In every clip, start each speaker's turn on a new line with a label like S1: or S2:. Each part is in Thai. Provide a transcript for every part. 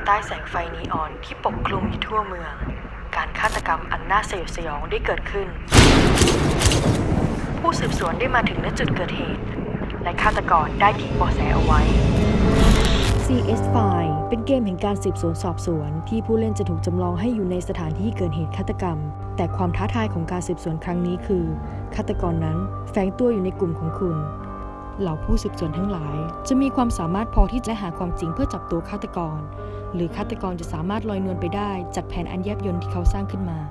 S1: ใต้แสงไฟนีออนที่ปกคลุมอยู่ทั่วเมืองการฆาตกรรมอันน่าสยดสยองได้เกิดขึ้นผู้สืบสวนได้มาถึงณจุดเกิดเหตุและฆาตกรได้ทิ้งเบาะแสเอาไว้ CS File เป็นเกมแห่งการสืบสวนสอบสวนที่ผู้เล่นจะถูกจำลองให้อยู่ในสถานที่เกิดเหตุฆาตกรรมแต่ความท้าทายของการสืบสวนครั้งนี้คือฆาตกรนั้นแฝงตัวอยู่ในกลุ่มของคุณเหล่าผู้สืบสวนทั้งหลายจะมีความสามารถพอที่จะหาความจริงเพื่อจับตัวฆาตกรหรือฆาตกรจะสามารถลอยนวลไปได้จากแผนอันแยบยลที่เขาสร้างขึ้นมา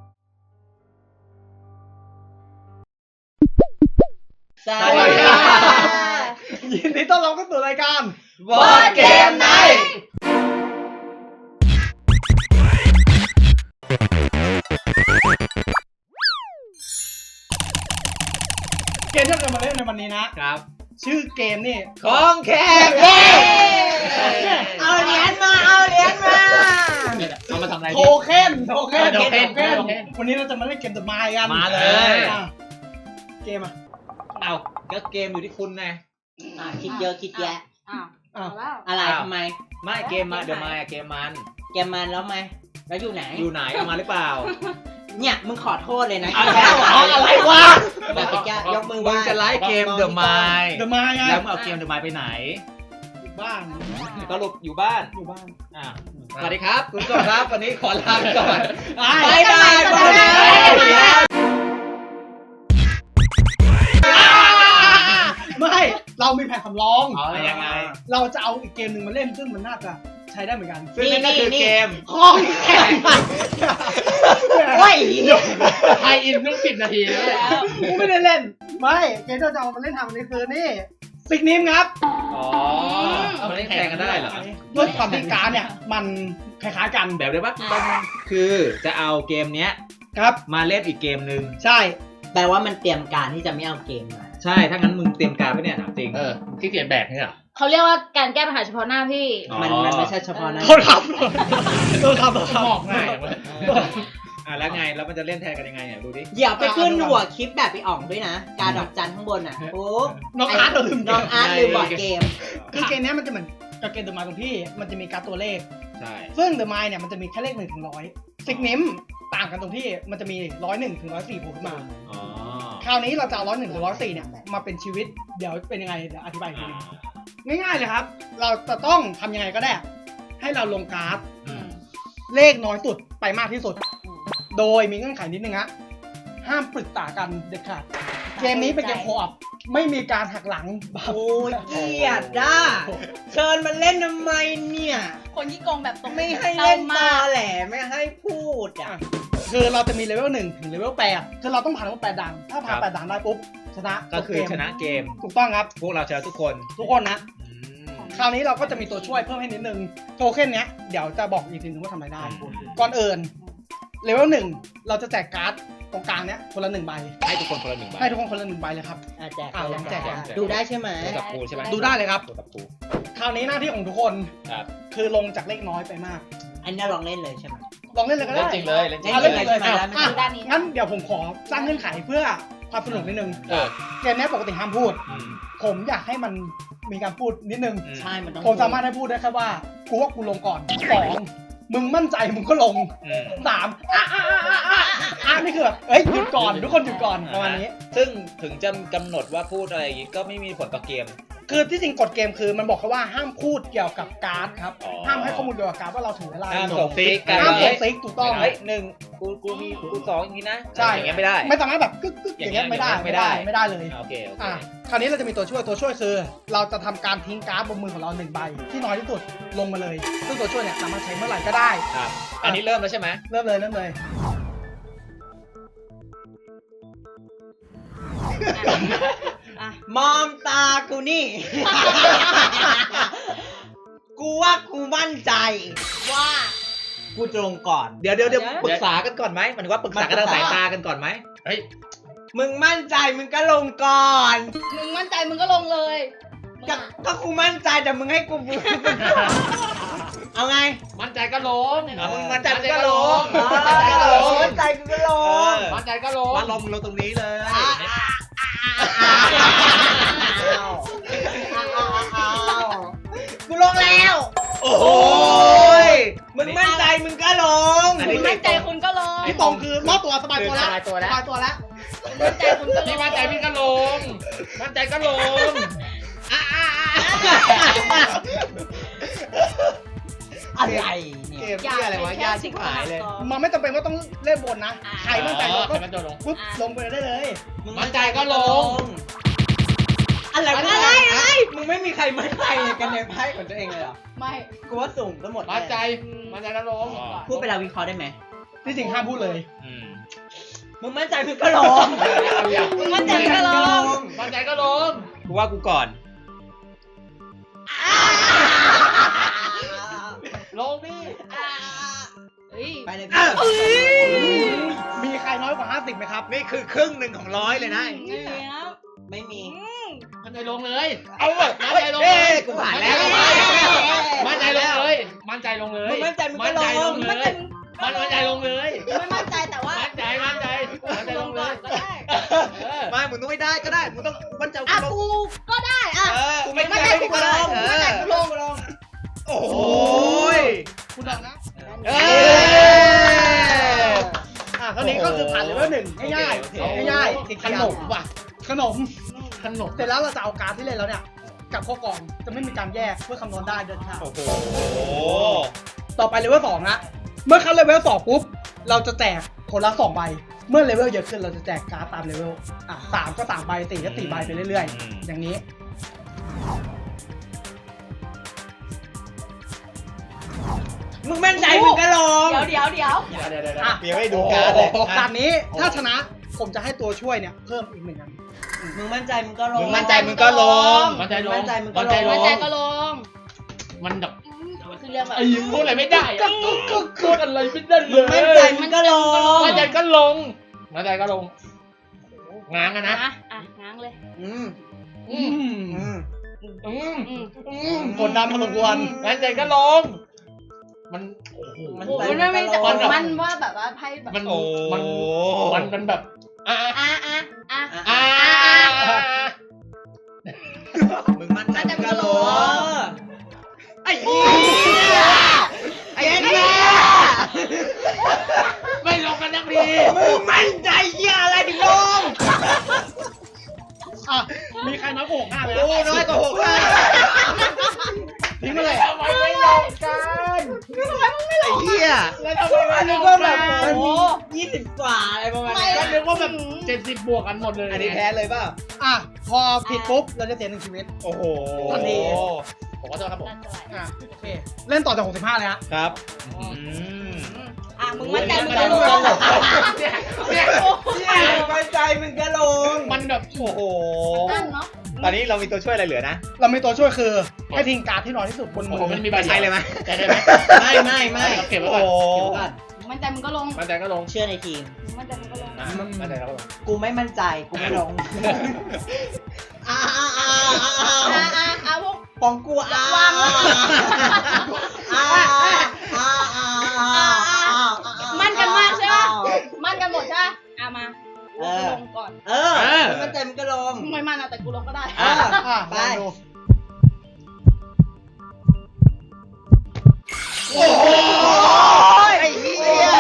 S2: สวัสดีค่ะ
S3: ยินดีต้อนรับเข้าสู่รายการ
S2: Board Game Night
S3: เกมที่เราจะมาเล่นในวันนี้นะครับ ชื่อเกมนี่
S2: ของแข็งเย้เอาเหรียญมาเอามาทำอะไร
S3: โทเค็น
S2: วัน
S3: นี้เราจะมาเล่นเกมThe Mind กัน
S2: มาเลย
S3: เกมอ่ะ
S2: เอาก็เกมอยู่ที่คุณไง
S4: คิดเยอะคิดแยะ
S3: อ้าว
S4: อะไรทำไม
S2: ไม่เกมมาเดี๋ยวมาเกมมัน
S4: แกมันแล้วไหมแล้วอยู่ไหน
S2: อยู่ไหนเอามาหรือเปล่า
S4: เนี่ยมึงขอโทษเลยนะ
S2: อะไรวะ
S4: แบบแกยกมือไห
S2: มึ
S4: ว้
S2: งจะไล่เกม The Mind
S3: The Mind ไง
S2: แล้วมึงเอาเกม The Mind ไปไหน
S3: อยู่บ้าน
S2: สรุปอยู่บ้าน สวัสดีครับคุณผู้ชมครับวันนี้ขอลาไปก่อน
S4: บายบาย
S3: ไม่เรามีแผนสำรอง
S2: ยังไง
S3: เราจะเอาอีกเกมหนึ่งมาเล่นซึ่งมันน่าจะใช้ได้เหมือนกัน
S2: ซึ่งนั่นก็คือเกม
S3: ของแข็ง
S4: โอ้ย
S2: ไทยอินต้อง10 นาทีแล้ว
S3: กูไม่ได้เล่นไม่เกมที่เราจะเอามาเล่นทำวันนี้คือนี่ซิกนิมครับ
S2: อ๋อเอามาเล่นแข่งกันได้เหรอ
S3: ด้วยความที่การ์ดเนี่ยมันคล้ายๆกัน
S2: แบบเดียวปะคือจะเอาเกมเนี้ย
S3: ครับ
S2: มาเล่นอีกเกมหนึ่ง
S3: ใช่
S4: แปลว่ามันเตรียมการที่จะไม่เอาเกมมา
S2: ใช่ถ้างั้นมึงเตรียมการไปเนี่ยถามจริง
S5: ที่เขียนแบกนี่เหรอ
S6: เขาเรียกว่าการแก้ปัญหาเฉพาะหน้าพี่
S4: มันไม่ใช่เฉพาะนั้น
S3: โทษครับโทษครับ
S5: มอกง่ายเว้ย
S2: แล้วไงแล้วมันจะเล่นแทนกันยังไงเนี่ยดูดิ
S4: อย่าไปขึ้นหัวคลิปแบบไปอ่องด้วยนะ การดอกจันข้างบนอ่ะโอ้
S3: น้องอาร์ตเราลืม
S4: น้องอาร์ตลืมบอร์ดเกม
S3: คือเกมเนี้ยมันจะเหมือนกับเกมเดอะมายตรงที่มันจะมีการ์ดตัวเลข
S2: ใช่
S3: ซึ่งเดอะมายเนี่ยมันจะมีแค่เลข1 ถึง 100ซิกนิมต่างกันตรงที่มันจะมี101 ถึง 104โผล่ขึ้นมา
S2: อ๋อ
S3: คราวนี้เราจะเอา101 ถึง 104เนี่ยมาเป็นชีวิตเดี๋ยวเป็นยังไงเดี๋ยวอธิบายอีกทีนึงง่ายๆเลยครับเราจะต้องทำยังไงก็ได้ให้เราลงการ์ดเลขน้อยสุดไปมากที่สุดโดยมีเงื่อนไขนิดนึงฮะห้ามปรึกษากันเด็ดขาดเกมนี้เป็นเกมโคออปไม่มีการหักหลัง
S4: โอ้ยเกลียดอ่ะเชิญมาเล่นทำไมเนี่ย
S6: คนที่โกงแบบตรง
S4: ไม่ให้เล่นตอแหลไม่ให้พูดอ่ะ
S3: คือเราจะมีเลเวล1 ถึงเลเวล8คือเราต้องผ่านเลเวล8ด่านถ้าผ่าน8ด่านได้ปุ๊บชนะ
S2: ก็คือชนะเกม
S3: ถูกต้องครับ
S2: พวกเราชนะทุกคน
S3: ทุกคนนะคราวนี้เราก็จะมีตัวช่วยเพิ่มให้นิดนึงโทเค็นเนี้ยเดี๋ยวจะบอกอีกทีนึงว่าทำอะไรได้ก่อนอื่นเลเวล1เราจะแจกการ์ดตรงกลางเนี้ยคนละ1 ใบ
S2: ให้ทุกคนคนละ1 ใบ
S3: ให้ทุกคนคนละ1 ใบเลยครับ
S4: แจก
S3: ลองแจก
S4: ดูได้ใช่ไหม
S2: ตัวกับปูใช่ไหม
S3: ดูได้เลยครับ
S2: ตัวกับปู
S3: คราวนี้หน้าที่ของทุกคน
S2: ครับ
S3: คือลงจากเลขน้อยไปมาก
S4: อันนี้ลองเล่นเลยใช่ไหม
S3: ลองเล่นเลยก็
S2: เล่
S3: ได้
S2: นจริงเลยเล่นจริง
S3: เอา
S2: เล
S3: เล่น
S2: ย
S3: เลย
S4: ใช่ไหม
S6: ด้านนี้
S3: งั้นเดี๋ยวผมขอสร้างเงื่อนไขเพื่อความสนุกนิดนึงเกมนี้ปกติห้ามพูด ผมอยากให้มันมีการพูดนิดนึง
S4: ใช่มันต้อง
S3: ผมสามารถให้พูดได้แค่ว่ากูว่ากูลงก่อน2มึงมั่นใจมึงก็ลง3นี่คือแบบเอ้ยหยุดก่อนทุกคนหยุดก่อนประมาณนี้
S2: ซึ่งถึงจะกำหนดว่าพูดอะไรอย่างงี้ก็ไม่มีผลต่อเกม
S3: คือที่จริงกฎเกมคือมันบอกแค่ว่าห้ามพูดเกี่ยวกับการ์ดครับ
S2: อ๋อ
S3: ห้ามให้ข้อมูลเกี่ยวกับการ์ดว่าเราถืออะไร
S2: ห้ามส่งซิกกัน
S3: ห้ามส่งซิกถูกต้อง
S2: เฮ้ย1กูมีกู2อย่างนี้นะ
S3: ใช่
S2: อย่างเงี้ยไม่ได้
S3: ไม่สามารถแบบกึกอย่างเงี้ยไม่ได้เลย
S2: โอเค
S3: คราวนี้เราจะมีตัวช่วยคือ เราจะทำการทิ้งการ์ดบนมือของเรา1 ใบที่น้อยที่สุดลงมาเลยซึ่งตัวช่วยเนี่ยสามารถใช้เมื่อไหร่ก็ได้
S2: ครับอันนี้เริ่มแล้วใช่ไหม
S3: เริ่มเลย
S4: มองตากูนี่ กูว่ากูมั่นใจ
S6: ว่า
S4: กูตรงก่อน
S2: เดี๋ยวปรึกษากันก่อนไหมหมันว่าปรึกษากันทางสายตากันก่อนไหม
S5: เฮ้ย
S4: มึงมั่นใจมึงก็ลงก่อน
S6: มึงมั่นใจมึงก็ลงเลยมึง
S4: ก็
S6: อะ
S4: ก็กูมั่นใจแต่มึงให้กูบูเอาไง
S5: มั่นใจก็ลง
S2: มึงมั่นใจก็ลง
S4: มั่นใจกูก็ลง
S5: มั่นใจก็ลง
S2: ว่าลงตรงนี้เลย
S4: กูลงแล้ว
S2: โอ้โห
S6: มั่นใจคุณก็ลง
S3: พี่ตรงคือรอบตัวสบายตัวแล้ว
S5: สบายตัวแล้ว
S3: สบายตัวแล้ว
S6: มั่นใจคุณก็ล
S5: พี่
S6: ง
S5: มั่นใจพี่ก็ลง มั่นใจก็ลง
S4: อะไรเนี่ย
S2: เกมที่อะไรวะยากชิบหายเลย
S3: มันไม่จำเป็นว่าต้องเล่นบนนะใครมั่นใจเราก็
S5: ใครมั่นใจลง
S3: ปุ๊บลงไปได้เลย
S5: มั่นใจก็ลง
S4: อะไรมึงไม่มีใครมั่นใจกันในไพ่ของตัวเองเลยเหรอ
S6: ไม่
S4: กูว่าสุ่มก็หมด
S5: มั่นใจ มั่นใจก็ลง
S4: พูดเวลาวิเคราะห์ได้ไหม
S3: ที่จริงห้ามพูดเลย
S4: มึงมั่นใจมึงก็ลง
S6: มึงมั่นใจมึงก็ลง
S5: มั่นใจก็ลง
S2: กูว่ากูก่อน
S5: ลงดิ
S6: เฮ้ย
S4: ไปเลย
S3: มีใครน้อยกว่า 50ไหมครับ
S2: นี่คือครึ่งหนึ่งของร้อยเลยนะ
S6: แล้ว
S4: ไม่มี
S5: มั่นใจลงเลย
S2: เอาเว้ย
S5: มั่นใจลง
S2: เอ้
S5: เลย
S2: กูผ่านแล้ว
S5: มั่นใจลงเลย มั่นใจลงเลย
S4: มึงมั่นใจมึงก็ลง
S5: มั่นใจมั่นใจลงเลย
S6: ไม่มั่นใจแต่ว่า
S5: มั่นใจมั่นใจมั่นใจลงเลย
S6: ก็ได้
S2: ไม่มึงต้องไม่ได้ก็ได้ มึงต้องมั่นใจ
S6: อ่ะ
S2: กูลง
S6: กูก็ได้อ่ะ
S2: กูไม่
S6: มั่นใจกูก็ลง
S2: เอ
S6: มั่นใจ
S2: อ
S6: กูลง
S2: โอ้โห
S3: คุณดอกนะ
S2: เอ้ย
S3: เท่านี้ก็คือผ่านเลเวล1ง่ายๆง่ายๆ
S5: ขนมว่ะ
S3: ขนม
S5: ขนม
S3: เสร็จแล้วเราจะเอาการ์ดที่เล่นแล้วเนี่ยกับข้อกล่องจะไม่มีการแยกเพื่อคำนวณได้เดินทาง
S2: โอ้โห
S3: ต่อไปเลเวล2นะเมื่อเข้าเลเวล2ปุ๊บเราจะแจกคนละ2ใบเมื่อเลเวลเยอะขึ้นเราจะแจกการ์ดตามเลเวล3ก็3ใบ4ก็4ใบไปเรื่อยๆอย่างนี้
S4: มึงมั่นใจมึงก็ลง
S6: เดี๋ยว
S5: เดี๋ยว
S3: อ่ะ
S2: เดี๋ยวให้ดูการ์ดเลย
S3: ด่านนี้ถ้าชนะผมจะให้ตัวช่วยเนี่ยเพิ่มอีก1 อัน
S4: มึงมั่นใจมึงก็ลง
S2: มึงมั่นใจมึงก็ลง
S5: มั่นใจลง
S4: มั่นใจมึงก็ลง
S6: มั่นใจก็ลง
S5: มันแบบ
S6: คือเรื่องแบบ
S5: ไอ้ยิงพูดอะไรไม่ได้อะพูดอะไรไม่ได้เล
S4: มึงมั่นใจ
S5: ย
S4: มึงก็ลง
S5: มั่นใจก็ลง มั่นใจก็ลงง้างอะนะ
S6: อ่ะง้างเลย
S4: อืม
S5: อืม
S4: อืม
S3: กดดันพอสมควร
S5: มั่นใจก็ลง มันโอ้โห
S4: มัน
S6: โอ้ยมันไม่แต่มันว่าแบบว่าไพ่แบบ
S5: มัน
S2: โอ้
S5: มันแบบอ่ะ
S6: อ่ะ
S2: มึงมั่นใจมึงก็ลงไอ้เหี้ยไอ้เหี้ย
S5: ไม่ลงกันนักดี
S2: มึงมั่นใจเหี้ยอะไรถึงลง
S3: มีใครน้อยกว่า65ไหม
S2: กูน้อยกว่า6
S3: ทิ้งไปเลย
S5: ทำไมไม่ลงกัน
S2: ไอ้เหี้ย
S5: แล้วทำไมไม่
S4: อัน
S5: ล
S4: นี้
S5: ง
S4: ก็
S5: กั
S4: แบบ
S5: น
S4: มันมี20 กว่าอะไรประมาณนี้
S5: ก็นึกว่าแบบ70 บวกกันหมดเลย
S2: อันนี้แพ้เลยเปล่า
S3: พอผิดปุ๊บเราจะเสีย1 ชีวิต
S2: โอ้โห
S3: ทันที
S5: ผมขอโทษครับผม
S3: โอเคเล่นต่อจาก65เลยฮะ
S2: ครับ
S6: มึงมั่นใจมึงก็ลง
S5: เนี่ย
S4: มั่นใจมึงก็ลง
S5: มันแบบ
S2: โอ้โห
S6: นั่นเนาะ
S2: ตอนนี้เรามีตัวช่วยอะไรเหลือนะ
S3: เรามีตัวช่วยคือให้ทิ้งการ์ดที่น้อยที่สุดบนมื
S5: ผม
S3: อ
S5: มันมีใบ
S2: ใช้เลยไหม
S5: ใช้ได้ไหม
S4: ไม่
S5: เก็บไว้ก่อน
S2: โอ้โห
S4: เดี๋ยวก่อน
S6: มั่นใจมึงก็ลง
S5: มั่นใจก็ลง
S4: เชื่อในทีม
S6: มั่นใจมึงก็ลง
S5: มั่นใจก็ลง
S4: กูไม่มั่นใจ กูไม่ลง
S6: พวก
S4: ของกูวาง
S6: มั่นกันมากใช่ปะมั่นกันหมดใช่ปะมาลงก่อน
S4: ไม่มั่นใจมึงก็ลง
S6: มึงไม่มั่นนะแต่กูลงก็ได้
S4: ไป
S3: ลองดู
S2: โอ้โหไอ้เหี้ย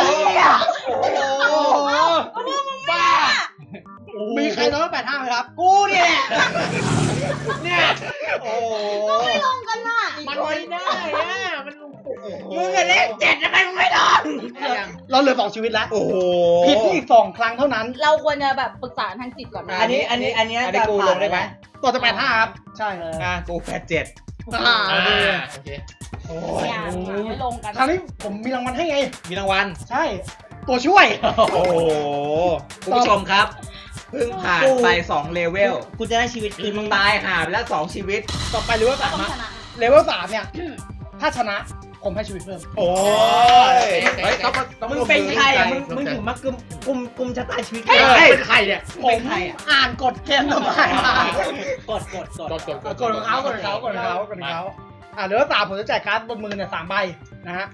S5: บ้า
S3: มีใครน้อยกว่า85ไหมครับ
S4: กูเนี่ย
S5: เนี่ย
S2: โอ้โห
S6: ไม่ลงกันน่ะ
S5: มันไม่ได้อะมัน
S4: มึงอะเลข7ทำไมมึงไม่ลง
S3: เราเหลือ2 ชีวิตแล้ว
S2: โอ้โห
S3: ผิดที่อีก2 ครั้งเท่านั้น
S6: เราควรจะแบบปรึกษาทางจิตก่อนนะ
S4: อันนี้
S2: กูลงได้ไหม
S3: ต่อจาก85ครับใช่
S2: กู87
S3: โอเค
S5: โอเค
S2: โอ้
S6: อย่าไม่ลงกัน
S3: คราวนี้ผมมีรางวัลให้ไง
S2: มีรางวัล
S3: ใช่ ตัวช่วย
S2: โอ้โหคุณผู้ชมครับ เพิ่งผ่านไป2เลเวล
S4: กูจะได้ชีวิตคืนมึง
S2: ตายหาไปแล้ว2ชีวิต
S3: ต่อไปเลเวล
S6: ต้อง
S3: 3
S6: ชนะ
S3: เลเวล3เนี่ย ถ้าชนะผมให้ชีวิตเพิ่ม
S2: โอ้ยเฮ้ยต้อง
S4: มึงเป็นใครอ่ะมึงถึงมากลุ่มชะตาชีวิต
S5: เฮ้ยเป็นใครเนี่ย
S3: ผมอ่านกฎเกมต่อไปมาก
S4: ด
S3: กฎของเขาเลเวล3ผมจะแจกการ์ดบนมือเนี่ย3 ใบนะฮะ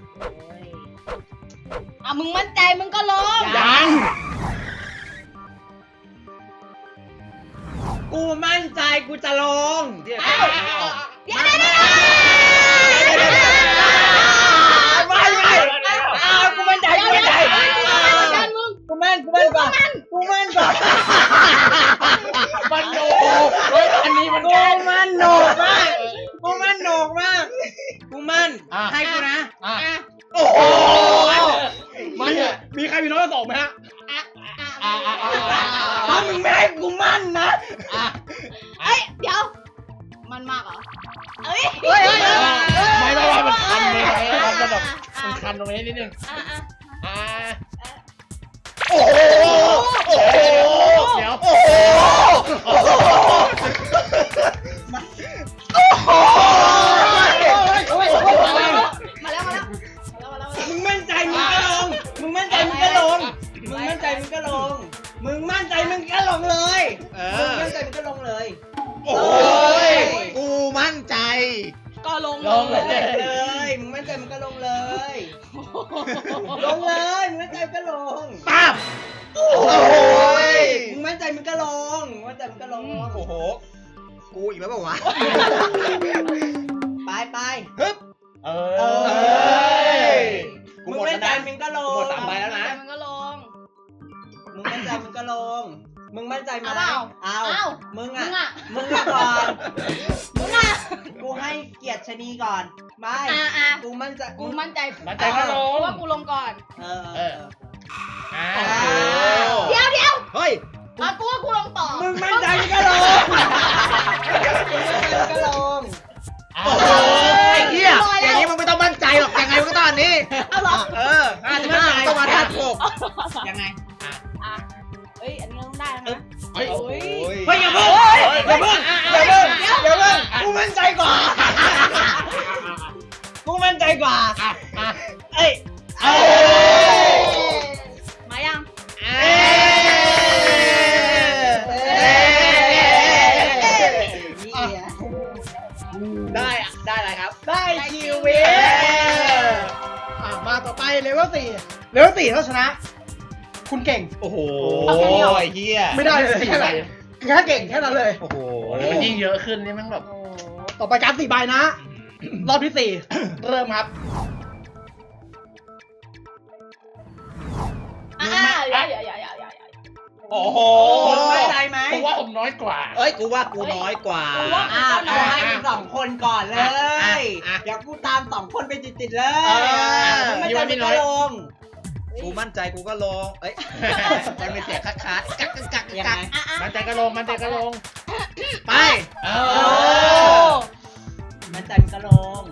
S6: มึงมั่นใจมึงก็ลง
S3: ยัง
S4: กูมั่นใจกูจะลง
S6: เดี๋ยว
S4: ไม่กูมั่นใจกูมั่นใจนกว่ากูมั่นกว่า
S5: มันโนเฮ้ยอันนี้มัน
S4: กูมั่นโหนกมากกูมั่นโหนกมากกูมั่นให้กูนะ
S5: อ่ะ
S4: โอ้โห
S5: มันเถอะ
S3: มีใครมีน้อยกว่า2ไหมฮะ
S4: ถ้ามึงไม่ให้กูมั่นนะ
S6: เอ้ยเดี๋ยวมันมากเหรอเอ้ย
S5: ไม่มันคันเลยมันจะแบบมันคันตรงนี้นิดนึงโอ้โหเดี๋ยว
S6: มาแล้ว
S4: มึงมั่นใจมึงก็ลงมึงมั่นใจมึงก็ลงมึงมั่นใจมึงก็ลงมึงมั่นใจมึงก็ลงเลยมึงมั่นใจมึงก็ลงเลย
S2: โอ้ยกูมั่นใจ
S6: ก็ลง
S4: เลยมึงมั่นใจมึงก็ลงเลยลงเลยมึงมั่นใจมึงก็ลง
S2: ปั๊บโอ้ย
S4: มึงมั่นใจมึงก็ลงมึงมั่นใจมึงก็ลง
S2: โอ้โหกูอีกแล้วเปล่าวะ
S4: ไป
S2: ฮึบ
S5: เอ
S4: มึงมั่นใจมึงก็ลง
S2: หมด3ใบแล้วนะ
S6: มันก็ลง
S4: มึงมั่นใจมึงก็ลงมึงมั่นใจไหม
S6: เอา
S4: มึง
S6: มึ
S4: อ่ะ
S6: งอ่ะ
S4: มึงก่อน
S6: มึงอ่ะ
S4: กูให้เกียรติชะนีก่อนไม่ กูมั่นใจ
S6: กูมั่นใจ
S5: มันใจก็ลง
S6: ว่ากูลงก่อน เดี๋ยว
S2: เฮ้ย
S6: กูว่ากูลงต่อ
S4: มึงมั่นใจมึงก็ลงมึงก็ลง
S2: โอ้โหไอ้เหี้ยอย่างนี้มึงไม่ต้องมั่นใจหรอกยังไงมึงก็ต้องอันนี้
S6: เอาหรอ
S2: 55ต้องมาท่าโขก
S4: ยังไง
S6: เฮ้ยอันนี้ต้องได้นะ
S5: เฮ้ย
S4: เฮ้ยอย่าเพิ่งกูมั่นใจกว่ากูมั่นใจกว่าเอ้ย
S6: มายัง
S2: ได้อะไรครับ
S3: ได้ชีวิตมาต่อไปเลเวล4เลเวล4ถ้าชนะ คุณเก่ง
S2: โอ้โห
S6: เอาแค่นี้เหรอ
S2: ไอ้เหี้ย
S3: ไม่ได้เลยแค่ไหนแค่เก่งแค่นั้นเลย
S2: โอ้โห
S5: มันยิ่งเยอะขึ้นนี่มันแบบ
S3: ต่อไปการ4ใบนะ รอบที่ 4 เริ่มครับ
S6: อย่า
S2: โอ้โห
S4: มั่นใจไหม
S5: ผมว่าผมน้อยกว่า
S2: เอ้ยกูว่ากูน้อยกว่า
S4: กูให้มึง2 คนก่อนเลยเดี๋ยวกูตาม2 คนไปติดๆเลยมั่นใจมึงก็ลง
S2: กูมั่นใจกูก็ลงเอ้ยมันเป็นเสียงคัดกัก
S4: ยังไง
S5: มันใจก็ลงมันใจก็ลง
S2: ไป
S4: มั่นใจมึงก็ลง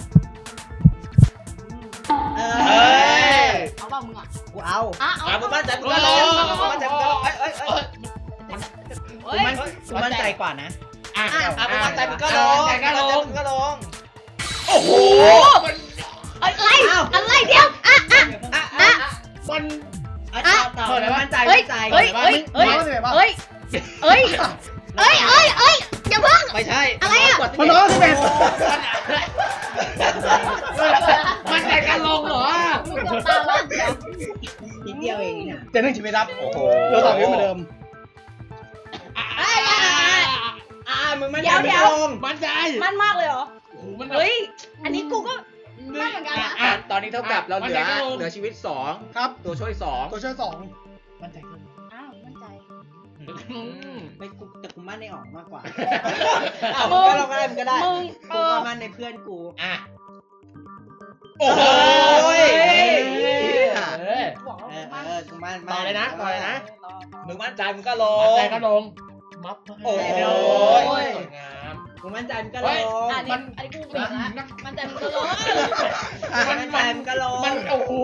S6: เอาเปล่ามึงอ่ะ
S4: กูเอา
S2: มึงมั่นใจมึงก็ลงมั่นใจมึงก็ลงเอ้ย
S4: กูมั่นใจกว่านะ
S2: มึงมั่นใจมึงก็ลงมึงก็ลงโอ้โห
S6: อะไรเดี๋ยว
S5: มัน
S4: ต่อมั่นใจ
S6: เฮ้ยอย่าเพิ่ง
S2: ไม่ใช่
S6: อะไรอะ
S3: มันน้อย11
S5: มันใจก็ลงเหรอ
S6: มึงเกือบตามแล้ว
S4: นิดเดียวเองเนี่ย
S3: เจนหนึ่งชีวิตครับ
S2: โอ้โห
S3: เราต่อชีวิตเหมือนเดิม
S4: มึงมั่นใจมึงก็ลง
S5: มันใจ
S6: มันมากเลยเหรอ
S5: มัน
S6: เฮ้ยอันนี้กูก็มันเหมือนกันนะ
S2: ตอนนี้เท่ากับเราเหลือชีวิต2
S3: ครับ
S2: ตัวช่วย2
S3: ตัวช่วย
S5: มันใจก็ลง
S6: อ้าวมั่นใจ
S4: ไม่กูแต่กูมั่นในออกมากกว่ามึงก็ลงอะไรมึงก็ได้
S6: มึง
S4: กูก็มั่นในเพื่อนกู
S2: โอ้โห
S6: บอกว่า
S4: กูมั่น
S5: ต่อเลยนะ
S2: มึงมั่นใจมึงก็ล
S5: มัน
S2: ง
S5: ใจก็ลงมัฟ
S2: โอ้โห
S5: สวยงาม
S4: กูมั่นใจมึงก็ลง
S6: อันนี้กูเปลี่ยนนะมันใจมึงก็ลง
S4: มั่นใจมึงก็ลง
S5: มันโอ้โห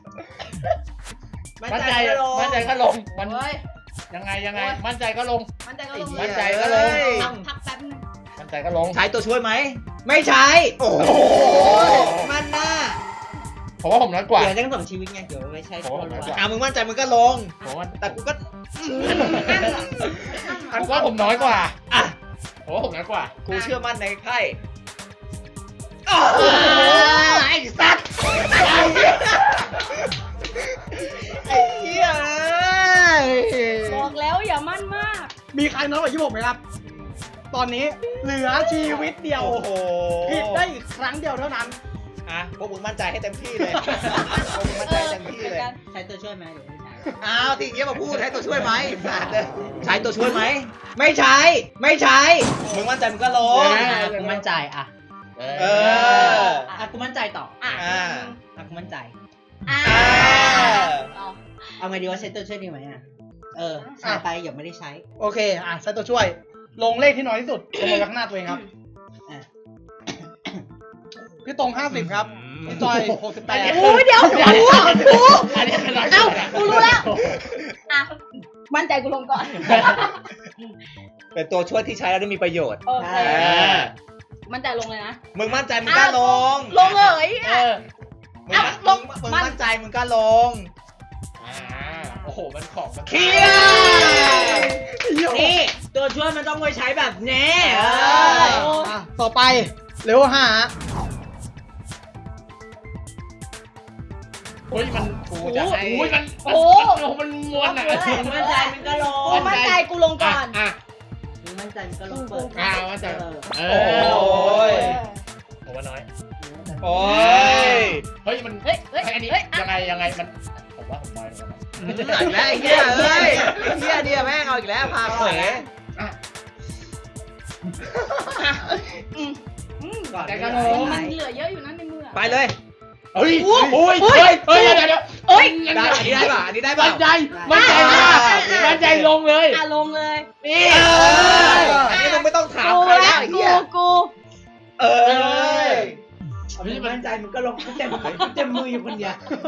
S4: มั่น
S5: มัน
S4: ใจ
S5: ใจ
S4: ก็ลง
S5: มันใจก็ลงมัน
S6: เฮ้ย
S5: ยังไงมันใจก็ลง
S6: มันใจก็ลง
S5: มั่นใจก็ลง
S6: พักแป๊บนึง
S5: มันใจก็ลง
S2: ใช้ตัวช่วยไหม
S4: ไม่ใช้
S2: โอ้โห
S4: มันหน้า
S5: ผมว่าผมน้อยกว่า
S4: เดี๋ยวต้อง2 ชีวิตไงเดี๋ยวไม่ใช่
S5: โอ้โหน้อยกว่า
S2: มึงมั่นใจมึงก็ลง
S5: ผมว่า
S2: แต่กูก็
S5: ผมว่าผมน้อยกว่าผมว่าผมน้อยกว่า
S2: กูเชื่อมั่นในไพ่
S5: ไอ้สัตว์
S2: ไอ้เหี้ย
S6: บอกแล้วอย่ามั่นมาก
S3: มีใครน้อยกว่า26ไหมครับ ตอนนี้เหลือชีวิตเดียว
S2: โอ้โห
S3: ผิดได้อีกครั้งเดียวเท่านั้น
S2: พวกมึงมั่นใจให้เต็มที่เลยพวกมึงมั่นใจเต็มที่เลย
S4: ใช้ตัวช่วยไหมเดี๋ยวไม่ใช้
S2: อ้าวทีนี้มาพูดให้ตัวช่วยไหมสัตว์เลยใช้ตัวช่วยไหม
S4: ไม่ใช้มึงมั่นใจมึงก็ลงกูมั่นใจอ่ะ
S2: เออ
S4: กูมั่นใจต่อ
S6: อ่ะ
S4: กูมั่นใจ
S6: อ่ะ
S2: เอา
S4: เอาไงดีว่าใช้ตัวช่วยดีไหมใช้ไปอย่าไม่ได้ใช้
S3: โอเคใช้ตัวช่วย ลงเลขที่น้อยที่สุดลงมาข้างหน้าตัวเองครับ
S4: อ่ะ
S3: พี่ตรง50ครับพี่จอย68
S6: โอ้ยเดี๋ยวกู
S5: อันนี้เป็นร้อย
S6: เอ้ากูรู้แล้วอ่ะมั่นใจกูลงก่อน
S2: เป็นตัวช่วยที่ใช้แล้วได้มีประโยชน์
S6: โอเค
S4: ใช่
S6: มั่นใจลงเลยนะ
S2: มึงมั่นใจมึงก็ลง
S6: ลงเลย
S2: มึงมั่นใจมึงก็ลง
S5: โอ้โหมันของมัน
S2: เคลียร์
S4: นี่ตัวช่วยมันต้องไว้ใช้แบบนี้
S3: ต่อไปเร็ว5
S5: เฮ้ยมันกูจะให้มัน
S6: โอ้
S5: มันม้วนอ่ะ
S4: มึงมั่นใจมึงก็ลง
S6: กูมั่นใจกูลงก่อน
S5: อ่ะ
S4: มึงมั่นใจมึงก็ลงเปิด
S5: มั่นใจเอ
S2: โอ้ย
S5: ผมว่าน้อย
S2: โอ้ย
S5: เฮ้ยมัน
S6: เฮ้ยเฮ้ย
S5: อันนี้
S6: เฮ้ย
S5: ยังไงมันผมว่าผมน้อยแล้วนะ
S2: อีกแล้วไอ้เหี้ยเอ้ยเหี้ยเดียแม่งเอาอีกแล้วพาเขว
S4: ก่อน
S5: แต่ก็
S6: มันเหลือเยอะอยู่นะในมือ
S2: ไปเลย
S5: เฮ้ยเฮ้ยเดี๋ยว
S6: เอ้ย
S2: ได้อันนี้ได้ป่ะอันนี้ได้ป่ะ
S5: มั่นใจมั่นใจลงเลย
S6: อ่ะลงเลย
S2: นี่อันนี้มึงไม่ต้องถามใครแล้วไอ้เหี้ย
S6: กู
S2: เออ
S4: มึงมั่นใจมึงก็ลงกูเต็มมืออยู่คนเดียว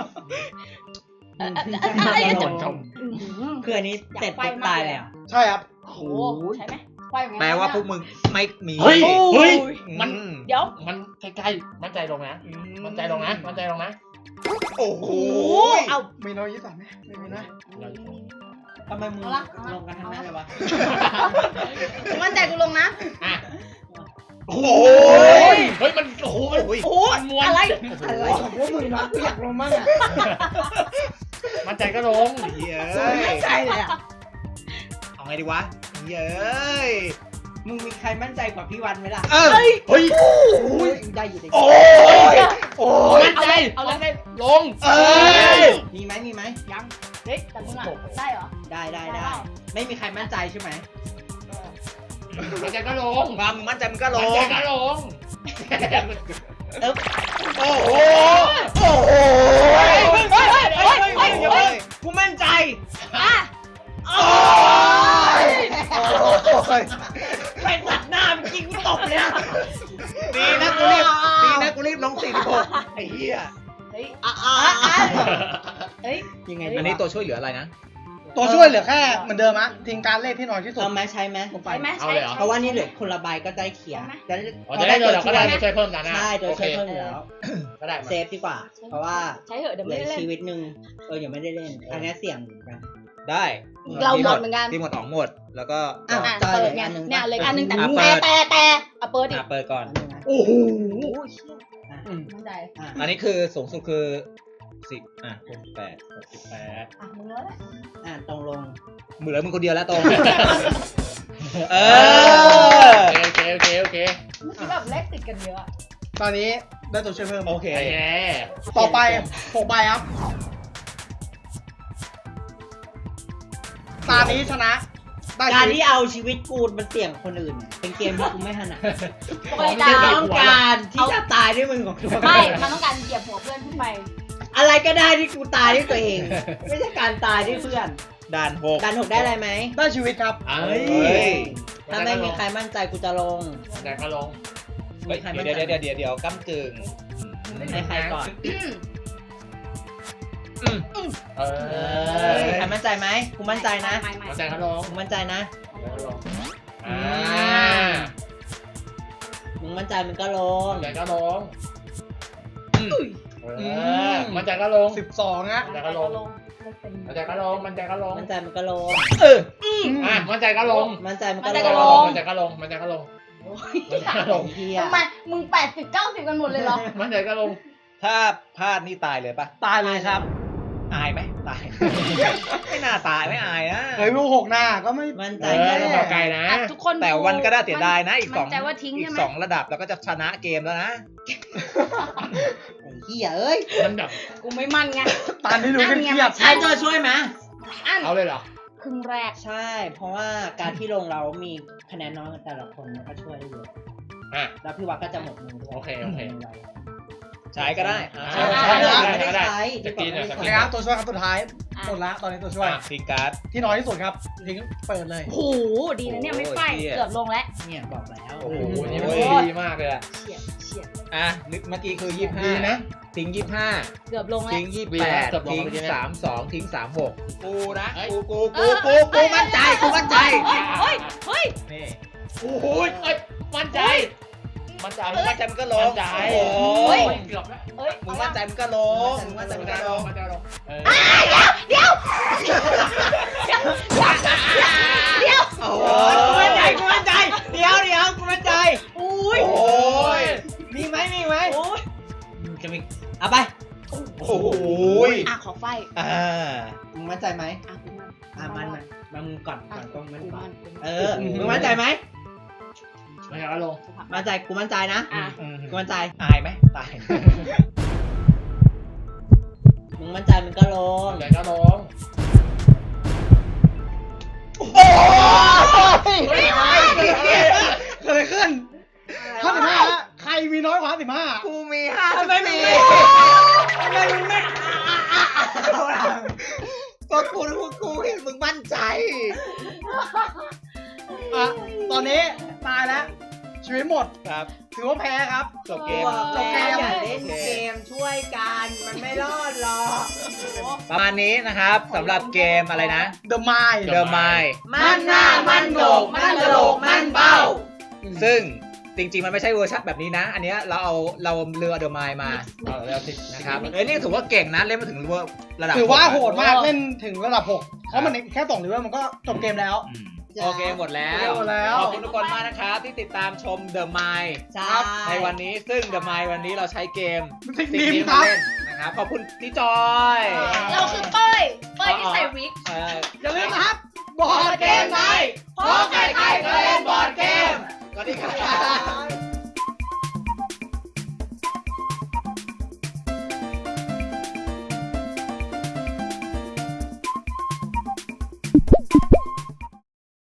S4: คืออันนี้เสร็จปุ๊บตายแล้ว
S3: ใช่ครับ
S6: โอ้โหใช่ไหมไฟเหมือนกัน
S2: แปลว่าพวกมึงไม่มี
S5: เฮ้ยมัน
S6: เดี๋ยว
S5: มันใกล้ๆมั่นใจลงนะมั่นใจลงนะมั่นใจลงนะ
S2: โอ้โห
S6: เอา
S3: มีน้อย23ไหมไม่มีนะ
S4: ทำไมมึงลงกันทั้งนั้นเลยวะ
S6: มั่นใจกูลงนะ
S5: อ่ะ
S2: โอ้โห
S5: เฮ้ยมันโอ้โหมัน
S2: โอ้ย
S6: โอ้ยอะไร
S4: อะไรของพวกมึงวะกูอยากลงมั่งอ่ะ
S5: มั่นใจก็ลง
S2: เหี้ย
S4: กูไม่มั่นใจเลยอ่ะ
S2: เอาไงดีวะเย้ย
S4: มึงมีใครมั่นใจกว่าพี่วันไหมล่ะ
S5: เฮ้ย
S4: ได้อยู่ใน
S2: โอ้ยโอ้ย
S5: มั่นใจมั่นใจลง
S4: มีไหม
S6: ยังเฮ้ยแต่มึงอ่ะได้เหรอ
S4: ได้ ไม่มีใครมั่นใจใช่ไหม
S5: มั่นใจก็ลง
S2: ความมึงมั่นใจมึงก็ล
S5: มั่น
S2: ง
S5: ใจก็ลง
S2: โอ้โหโอ้โห
S4: กูมั่นใจ
S6: อ่ะ
S2: โอ้ย
S4: ไปตัดหน้าเมื่อกี้กูตบเลยอ่ะ
S2: ดีนะกูรีบลง46ไอ้เหี้ย
S6: เฮ้ย เฮ้ย
S4: ยังไง
S2: อันนี้ตัวช่วยเหลืออะไรนะ
S3: ตัวช่วยเหลือแค่เหมือนเดิมอะทิ้งการเลขที่น้อยที่สุด
S4: เอาไหมใช้ไหม
S6: ใช่ไหม
S5: เอาเลยเหรอ
S4: เพราะว่านี่เหลือคนละใบก็ได้เขียน
S5: จะได้เราก็ได้ช่วยเพิ่มนะ
S4: ใช่ตัวช่วยเพิ่มอยู่แล้ว
S5: ก็ได้
S4: เซฟดีกว่า เพราะว่า
S6: ใช้เหอะเดี๋ยว
S4: เหลื
S6: ไม่
S4: อ
S6: ได้เล่น
S4: ชีวิตหนึ่งยังไม่ได้เล่นอันนี้เสี่ยงเหมือนกัน
S2: ได้
S6: เราหมดเหมือนกัน
S2: ที่หมดออกหมดแล้วก็
S6: อ่ะ
S4: จอย
S6: เปิ
S4: เหลื
S6: ด
S4: อ
S6: ไง
S4: อันหนึ่ง
S6: เนี่ยเลยอันหนึ่งแต่
S2: อ่ะเปิด
S6: แต่เอาเปิดดิ
S2: เปิดก่อน
S3: โอ้โห
S6: มั่นใจ
S2: อันนี้คือสูงสุดคือ1068
S6: อ่ะมึงแล้วแหละ
S4: ตรงลง
S2: เหลือมึงคนเดียวแล้วตรง เออ
S5: โอเค
S6: เมื่อกี้แบบเลขติดกันเยอะ
S3: ตอนนี้ได้ตัวช่วยเพิ่ม
S2: โอเค
S5: โอเค
S3: ต่อไป6ใบครับ ตานี้ชนะ ได้
S4: การ
S3: ชีวิ
S4: ที่
S3: ต
S4: เอาชีวิตกูมันเสี่ยงคนอื่นเนี่ยเป็นเกมที่กูไม่ถนัด
S6: ไม่
S4: กู
S6: ได้
S4: ต้องการที่จะตายด้วยมือของตัว
S6: ไม่มันต้องการเหยียบหัวเพื่อนขึ้นไป
S4: อะไรก็ได้ที่กูตายด้วยตัวเอง ไม่ใช่การตายด้วยเพื่อน
S2: ด่าน
S4: การถกได้อะไรไหม
S3: ได้ชีวิตครับ
S5: เอ้
S2: 6เฮ้ย
S4: ถ้าไม่มีใครมั่นใจกูจะลง
S5: แต่ก็ลง
S4: มีใครมั่นใจ
S2: เดี๋ยวก้ำกึ่ง
S4: ให้ใครก่อน
S5: เออ
S4: ใครมั่นใจไหมกูมั่นใจนะ
S6: ไม่
S5: มั่นใจก็ลง
S4: กูมั่นใจนะ มึงมั่นใจมึงก็ลง
S5: มั่นใจก็ลงมั่นใจก็ลง
S3: 12นะ
S5: มั่นใจก็ลงมั่นใจก็ลงมั่นใจก็ลง
S4: มั่นใจมึงก็ลง
S5: มั่นใจก็ลง
S4: มั่นใจมึง
S5: มั่
S4: ก็
S5: นใจ
S4: ล
S5: ก็ล
S4: ง
S5: งมั่นใจก็ลงมั่นใจก็ลงมั่นใจก็ลง
S4: เฮีย
S6: ทำไมมึง80-90กันหมดเลยเหรอ
S5: มั่นใจก็ลง
S2: ถ้าพลาดนี่ตายเลยปะ
S3: ตายเลยครับ
S2: อายไหมตาย ไม่น่าตายไม่อายนะ
S3: เฮ้ยลูก6หน้าก็ไม่
S4: มั่นใจ
S5: ต้องบอกไกลนะ
S6: ทุกคน
S2: แต่วันก็ได้เสียดายนะอีก
S6: มั่นใจว่าทิ้ง
S2: อี
S6: ใช่
S2: ก
S6: ไหม
S2: 2ระดับแล้วก็จะชนะเกมแล้วนะ
S4: เฮียเอ้ย
S5: มันแบบ
S6: กูไม่มั่นไง
S3: ตานี้รู้กันเครียด
S4: ใช้ตัวช่วยไหม
S5: เอาเลยเหรอ
S6: ครึ่งแรก
S4: ใช่ เพราะว่าการที่ลงเรามีคะแนนน้อยกันแต่ละคนมันก็ช่วยได้เยอะ
S5: อ่ะ
S4: แล้วพี่วัดก็จะหมดมือด้วย
S5: โอเค
S7: ใช้ก็ได้
S5: ใช้
S4: ไม่ได้ใช้
S5: จะกินเนี่ย
S3: นะครับตัวช่วยครับตัวท้าย
S6: อ่ะ
S3: หมดละตอนนี้ตัวช่วย
S7: ทิ้งการ์ด
S3: ที่น้อยที่สุดครับทิ้งเปิดเลย
S6: โหดีนะเนี่ยไม่ไฟ
S7: โอ้ยเหี้ย
S6: เกือบลงแล้ว
S4: เนี่ยบอกแล้ว
S5: โอ้โหนี่
S7: โอ้
S5: มัน
S7: ย
S5: ดีมากเลยอะ
S6: เฉียดเฉียด
S7: อ่ะนึกเมื่อกี้คือ
S3: ดีนะ
S7: 25ทิ้ง25
S6: เกือบลงแล้ว
S7: ทิ้ง
S5: เกือบลง
S7: 28
S5: เมื่
S7: ทิ้
S5: อง กี้เนี่ย
S7: 32ทิ้ง36กูนะ
S5: เฮ้ย
S7: กูมั่นใจกูมั่นใจ
S6: เฮ้ยเฮ้ย
S7: นี่
S5: โอ้โหเอ้ยมั่นใจ มั่นใจ
S7: มึงมั่นใจมึงก็ล
S5: มั่
S7: ง
S5: นใจ
S7: โอ้
S5: โอ้
S7: ย
S5: ยเกือบแล้ว
S6: เฮ้ย
S7: มึงมั่นใจมึงก็ลงมึงมั่นใจมึงก็ลง
S5: มั่นใจลงเออ
S6: เดี๋ยว
S7: โอ้
S4: โอ้ยกูมั่นใจกูมั่นใจเดี๋ยวกูมั่นใจ
S6: อุ้ย
S7: โอ้ย
S4: มีไหมจะมีเอาไป
S7: โอ้โห
S6: อ่ะขอไฟ
S7: อ่า
S4: มึงมั่นใจไหม
S6: อ่ะคุณมัน
S4: มันมึงก่อนต้องมัน
S6: คุณ
S4: ก่อ
S6: มัน น
S4: เออมึงมั่นใจไหม
S5: ไม่เอาแล้วลง
S4: มั่นใจกูมั่นใจนะ
S6: อ่ะ
S4: กูมั่นใจ
S7: ตายไหมตาย
S4: มึงมั่นใจมึงก็ลง
S5: เดี๋ยวจะลง
S3: เกิดอะไรขึ้น55ละใครมีน้อยกว่า55
S7: กูมี
S4: ทำไมมึงไม่ทำไมมึงไม่
S7: ก็กูเห็นมึงมั่นใจ
S3: อ่ะตอนนี้ตายแล้วชีวิตหมด
S7: ครับ
S3: ถือว่าแพ้ครับ
S7: จบเกม
S4: จบเกมอย่าเล่นเกมช่วยกันมันไม่รอดหรอก
S7: ประมาณนี้นะครับสำหรับเกมอะไรนะ
S3: The Mind
S7: The Mind
S4: มันหน้ามันโหนกมันกระโหลกมันเบ้า
S7: ซึ่งจริงๆมันไม่ใช่เวอร์ชันแบบนี้นะ อันเนี้ยเราเรือ The Mind มา
S5: เอาแล้วสิ
S7: นะครับนี่ถือว่าเก่งนะเล่นมาถึงระดับ
S3: ถือว่า
S7: 6
S3: โหดมากเล่นถึงระดับ 6 เพราะมันแค่2เลเวลมันก็จบเกมแล้ว
S7: อืมโอเคหมดแล้ว
S3: หมดแล้ว
S7: ขอบคุณทุกคนมากนะครับที่ติดตามชม The Mind
S4: ใช่
S7: ในวันนี้ซึ่ง The Mind วันนี้เราใช้เกม
S3: สิ่ง
S7: สิ่ง
S3: นี้
S7: นี้
S3: ค
S7: มา
S3: รับ
S7: เล่นนะครับขอบคุณพี่จอย
S6: เราคือเป้ยที่ใส่วิก
S3: อย่าลืมนะครับบอร์ดเกมไนท์
S6: เพราะใครๆก็เล่นบอร์ดเกม
S7: สวัสดีครับ